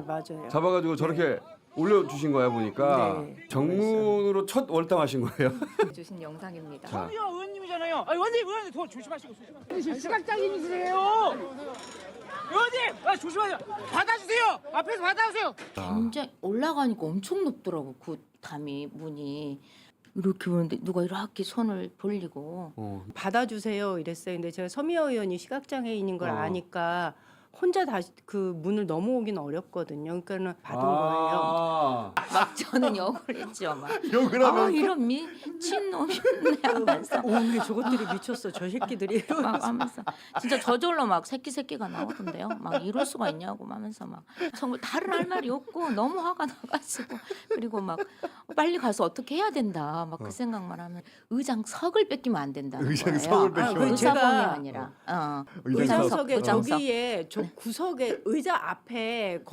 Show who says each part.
Speaker 1: 맞아요.
Speaker 2: 잡아가지고 저렇게 올려주신 거야 보니까.
Speaker 1: 네.
Speaker 2: 정문으로 첫 월당하신 거예요.
Speaker 3: 주신 영상입니다.
Speaker 2: 자,
Speaker 4: 의원님이잖아요. 의원님 더 조심하시고. 시각장애인이세요. 의원님, 조심하세요. 받아주세요. 앞에서 받아주세요.
Speaker 5: 굉장히 올라가니까 엄청 높더라고. 그 담이 문이 이렇게 보는데 누가 이렇게 손을 벌리고
Speaker 1: 받아주세요 이랬어요. 근데 제가 서미여 의원이 시각장애인인 걸
Speaker 2: 어.
Speaker 1: 아니까 혼자 다시 그 문을 넘어오긴 어렵거든요. 그러니까는 받은 거예요.
Speaker 5: 막 저는 욕을 했죠. 막
Speaker 2: 욕을 하면서.
Speaker 5: 이런 미친놈이네 하면서
Speaker 1: 근데 저것들이 미쳤어. 저 새끼들이.
Speaker 5: 막 하면서 진짜 저절로 막 새끼가 나오던데요. 막 이럴 수가 있냐고 하면서 막 정말 다른 할 말이 없고 너무 화가 나가지고 그리고 막 빨리 가서 어떻게 해야 된다. 막 그 생각만 하면 의장석을 뺏기면 안 된다.
Speaker 2: 의장석을 뺏기면 안 된다.
Speaker 5: 의사봉이
Speaker 1: 제가
Speaker 5: 아니라
Speaker 2: 의장석.
Speaker 1: 의장석에
Speaker 5: 의장석.
Speaker 1: 거기에 저 구석에 의자 앞에